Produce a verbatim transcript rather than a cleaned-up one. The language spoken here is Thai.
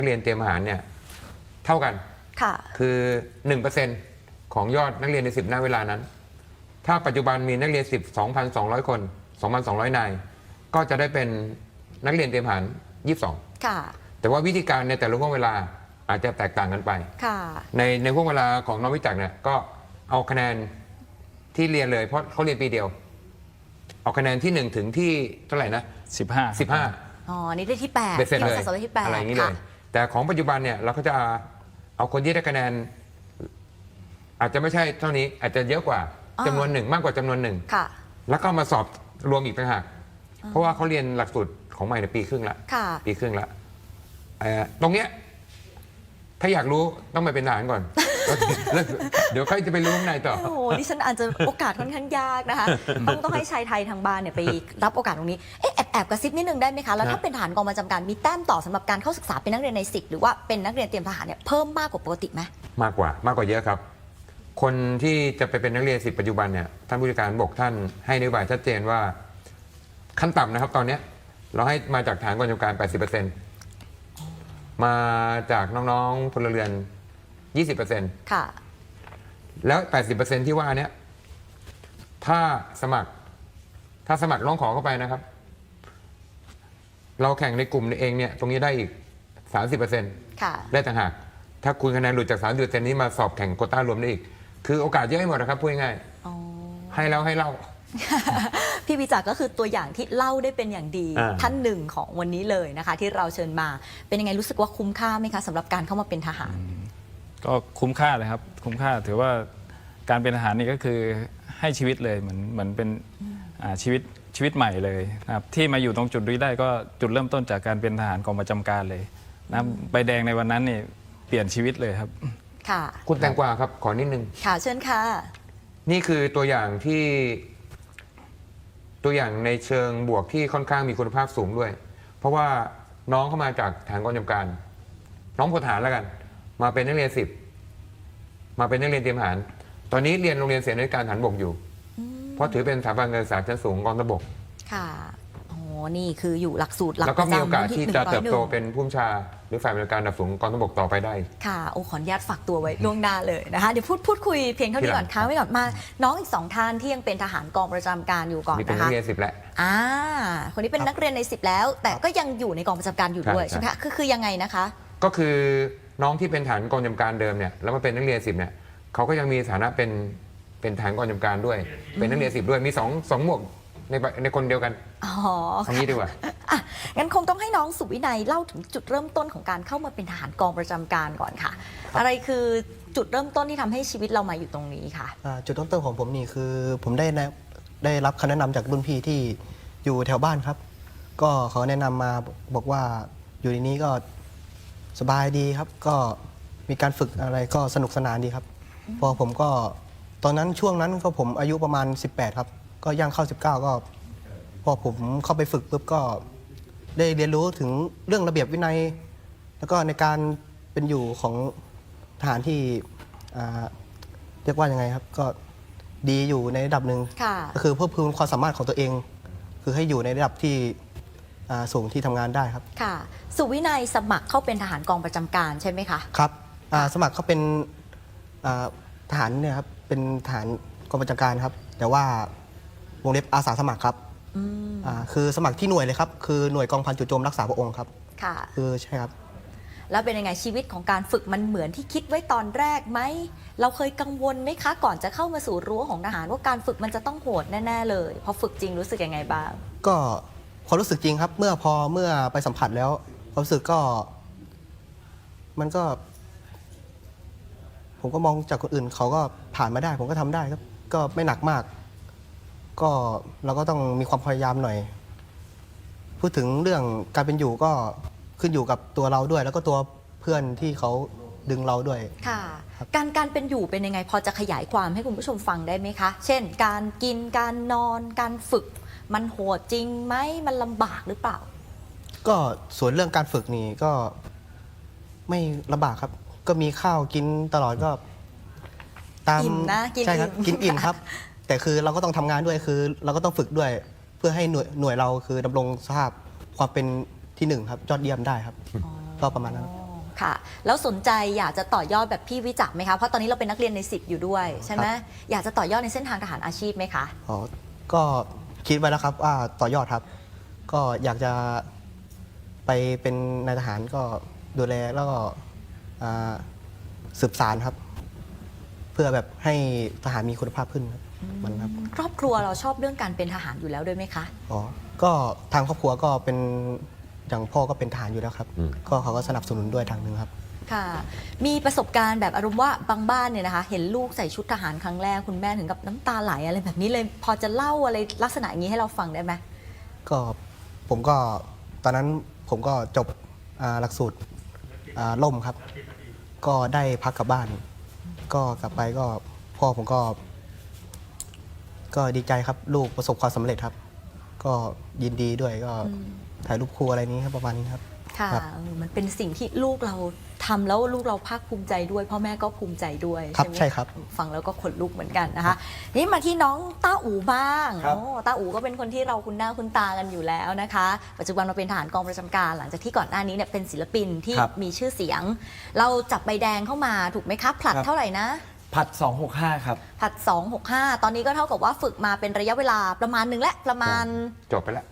นักเรียนเตรียมทหารเนี่ยเท่ากันค่ะคือ หนึ่งเปอร์เซ็นต์ ของยอดนักเรียนในสิบณเวลานั้นถ้าปัจจุบันมีนักเรียนสิบ สองพันสองร้อย คน สองพันสองร้อย นายก็จะได้เป็นนักเรียนเตรียมทหารยี่สิบสองค่ะแต่ว่าวิธีการในแต่ละห่วงเวลาอาจจะแตกต่างกันไปค่ะในในห่วงเวลาของน้องวิจักรเนี่ยก็เอาคะแนนที่เรียนเลยเพราะเขาเรียนปีเดียวเอาคะแนนที่หนึ่งถึงที่เท่าไหร่นะสิบห้าสิบห้าอ๋อนี่ได้ที่แปดเบ็ดเสร็จเลยที่แปดอะไรอย่างนี้เลยแต่ของปัจจุบันเนี่ยเราก็จะเอาคนที่ได้คะแนนอาจจะไม่ใช่เท่านี้อาจจะเยอะกว่าจำนวนหนึ่งมากกว่าจำนวนหนึ่งแล้วก็มาสอบรวมอีกต่างหากเพราะว่าเขาเรียนหลักสูตรของใหม่ในปีครึ่งละปีครึ่งละตรงเนี้ยถ้าอยากรู้ต้องไปเป็นทหารก่อนเดี๋ยวใครจะไปรู้ข้างในต่อโอ้โหดิฉันอาจจะโอกาสค่อนข้างยากนะคะต้องต้องให้ชายไทยทางบ้านเนี่ยไปรับโอกาสตรงนี้เอ๊ะแอบแอบกระซิบนิดนึงได้ไหมคะแล้วถ้าเป็นทหารกองประจำการมีแต้มต่อสำหรับการเข้าศึกษาเป็นนักเรียนในสิบหรือว่าเป็นนักเรียนเตรียมทหารเนี่ยเพิ่มมากกว่าปกติไหมมากกว่ามากกว่าเยอะครับคนที่จะไปเป็นนักเรียนสิบปัจจุบันเนี่ยท่านผู้จัดการบอกท่านให้นโยบายชัดเจนว่าขั้นต่ำนะครับตอนนี้เราให้มาจากฐานกองกำลังการ แปดสิบเปอร์เซ็นต์ มาจากน้องๆพลเรือน ยี่สิบเปอร์เซ็นต์ค่ะแล้ว แปดสิบเปอร์เซ็นต์ ที่ว่านี้ถ้าสมัครถ้าสมัครร้องขอเข้าไปนะครับ เราแข่งในกลุ่มเองเนี่ยตรงนี้ได้อีก สามสิบเปอร์เซ็นต์ค่ะได้ต่างหากถ้าคุณคะแนนหลุดจาก สามสิบเปอร์เซ็นต์ นี้มาสอบแข่งโควต้ารวมได้อีกคือโอกาสเยอะให้หมดนะครับพูดง่ายๆให้แล้วให้เล่าพี่วิจักรก็คือตัวอย่างที่เล่าได้เป็นอย่างดีท่านหนึ่งของวันนี้เลยนะคะที่เราเชิญมาเป็นยังไงรู้สึกว่าคุ้มค่าไหมคะสำหรับการเข้ามาเป็นทหารก็คุ้มค่าเลยครับคุ้มค่าถือว่าการเป็นทหารนี่ก็คือให้ชีวิตเลยเหมือนเหมือนเป็นชีวิตชีวิตใหม่เลยนะครับที่มาอยู่ตรงจุดนี้ได้ก็จุดเริ่มต้นจากการเป็นทหารกองประจำการเลยนะใบแดงในวันนั้นนี่เปลี่ยนชีวิตเลยครับค่ะคุณแตงกวาครับขอนิดนึงค่ะเชิญค่ะนี่คือตัวอย่างที่ตัวอย่างในเชิงบวกที่ค่อนข้างมีคุณภาพสูงด้วยเพราะว่าน้องเข้ามาจากฐานกองกำลังการน้องพลทหารแล้วกันมาเป็นนักเรียนสิบมาเป็นนักเรียนเตรียมทหารตอนนี้เรียนโรงเรียนเสนาธิการทหารบกอยู่เพราะถือเป็นสถาบันการศึกษาชั้นสูงกองทัพบกค่ะโอ้นี่คืออยู่หลักสูตรหลักแล้วก็มีโอกาสที่จะเติบโตเป็นผู้บัญชาหรือฝ่ายบริการระดับสูงกองทัพบกต่อไปได้ค่ะโอ้ขออนุญาตฝากตัวไว้ล่วงหน้าเลยนะคะเดี๋ยวพูดพูดคุยเพียงเท่านี้ก่อนค้างไว้ก่อนมาน้องอีกสองท่านที่ยังเป็นทหารกองประจำการอยู่ก่อนนะคะมีเป็นนักเรียนสิบแล้วอ่าคนนี้เป็นนักเรียนในสิบแล้วแต่ก็ยังอยู่ในกองประจำการอยู่ด้วยใช่ไหมคะคือคือยังไงนะคะก็คือน้องที่เป็นฐานกองประจำการเดิมเนี่ยแล้วมาเป็นนักเรียนสิบเนี่ยเขาก็ยังมีฐานะเป็นเป็นฐานกองประจำการด้วยเป็นนักเรียนสิบด้วยมีสองสองหมวกในในคนเดียวกันอ๋อตรงนี้ดีกว่าอ่ะงั้นคงต้องให้น้องสุวินัยเล่าถึงจุดเริ่มต้นของการเข้ามาเป็นทหารกองประจำการก่อนค่ะอะไรคือจุดเริ่มต้นที่ทำให้ชีวิตเรามาอยู่ตรงนี้ค่ะจุดเริ่มต้นของผมนี่คือผมได้ได้รับคำแนะนำจากรุ่นพี่ที่อยู่แถวบ้านครับก็เขาแนะนำมาบอกว่าอยู่ในนี้ก็สบายดีครับก็มีการฝึกอะไรก็สนุกสนานดีครับพอผมก็ตอนนั้นช่วงนั้นก็ผมอายุประมาณสิบแปดครับก็ย่างเข้าสิบเก้าก็พอผมเข้าไปฝึกปุ๊บก็ได้เรียนรู้ถึงเรื่องระเบียบวินัยแล้วก็ในการเป็นอยู่ของทหารที่เรียกว่ายังไงครับก็ดีอยู่ในระดับหนึ่งก็คือเพิ่มพูนความสามารถของตัวเองคือให้อยู่ในระดับที่สูงที่ทำงานได้ครับค่ะสุวินัยสมัครเข้าเป็นทหารกองประจำการใช่ไหมคะครับสมัครเขาเป็นทหารเนี่ยครับเป็นทหารกองประจำการครับแต่ว่าวงเล็บอาสาสมัครครับคือสมัครที่หน่วยเลยครับคือหน่วยกองพันจู่โจมรักษาพระองค์ครับค่ะคือใช่ครับแล้วเป็นยังไงชีวิตของการฝึกมันเหมือนที่คิดไว้ตอนแรกไหมเราเคยกังวลไหมคะก่อนจะเข้ามาสู่รั้วของทหารว่าการฝึกมันจะต้องโหดแน่ๆเลยพอฝึกจริงรู้สึกยังไงบ้างก็ความรู้สึกจริงครับเมื่อพอเมื่อไปสัมผัสแล้วความรู้สึกก็มันก็ผมก็มองจากคนอื่นเขาก็ผ่านมาได้ผมก็ทำได้ครับก็ไม่หนักมากก็เราก็ต้องมีความพยายามหน่อยพูดถึงเรื่องการเป็นอยู่ก็ขึ้นอยู่กับตัวเราด้วยแล้วก็ตัวเพื่อนที่เขาดึงเราด้วยค่ะการการเป็นอยู่เป็นยังไงพอจะขยายความให้คุณผู้ชมฟังได้ไหมคะเช่นการกินการนอนการฝึกมันโหดจริงไหมมันลำบากหรือเปล่าก็ส่วนเรื่องการฝึกนี่ก็ไม่ลำบากครับก็มีข้าวกินตลอดก็ตามนะใช่ครับกินอิ่มครับแต่คือเราก็ต้องทำงานด้วยคือเราก็ต้องฝึกด้วยเพื่อให้หน่วยหน่วยเราคือดำรงสภาพความเป็นที่หนึ่งครับยอดเยี่ยมได้ครับก็ประมาณนั้นค่ะ แล้วสนใจอยากจะต่อยอดแบบพี่วิจักรไหมคะเพราะตอนนี้เราเป็นนักเรียนในสิบอยู่ด้วยใช่ไหมอยากจะต่อยอดในเส้นทางทหารอาชีพไหมคะอ๋อก็คิดไว้แล้วครับว่าต่อยอดครับ ก็อยากจะไปเป็นนายทหารก็ดูแลแล้วก็อ่าสืบสารครับ เพื่อแบบให้ทหารมีคุณภาพขึ้นครับมันครับครอบครัวเราชอบเรื่องการเป็นทหารอยู่แล้วด้วยไหมคะอ๋อก็ทางครอบครัวก็เป็นอย่างพ่อก็เป็นทหารอยู่แล้วครับอืมก็เขาก็สนับสนุนด้วยทางหนึ่งครับค่ะ มีประสบการณ์แบบอารมณ์ว่าบางบ้านเนี่ยนะคะ เห็นลูกใส่ชุดทหารครั้งแรกคุณแม่ถึงกับน้ำตาไหลอะไรแบบนี้เลยพอจะเล่าอะไรลักษณะอย่างนี้ให้เราฟังได้ไหมก็ผมก็ตอนนั้นผมก็จบอ่าหลักสูตรอ่าล่มครับ ก็ได้พักกลับบ้าน ก็กลับไปก็พ่อผมก็ ก็ดีใจครับลูกประสบความสำเร็จครับ ก็ยินดีด้วยก็ถ่ายรูปคู่อะไรนี้ครับประมาณนี้ครับค่ะครับเออมันเป็นสิ่งที่ลูกเราทำแล้วลูกเราภาคภูมิใจด้วยพ่อแม่ก็ภูมิใจด้วยครับไหมใช่ครับฟังแล้วก็ขนลุกเหมือนกันนะคะนี่มาที่น้องต้าอูบ้างครับโอ้ต้าอูก็เป็นคนที่เราคุ้นหน้าคุ้นตากันอยู่แล้วนะคะ ปัจจุบันเราเป็นทหารกองประจำการหลังจากที่ก่อนหน้านี้เนี่ยเป็นศิลปินที่ครับมีชื่อเสียง เราจับใบแดงเข้ามาถูกไหมครับผลัดครับเท่าไหร่นะผัดสองหกห้าครับผลัดสอง หก ห้าตอนนี้ก็เท่ากับว่าฝึกมาเป็นระยะเวลาประมาณหนึ่งและประมาณจบไปแล้ว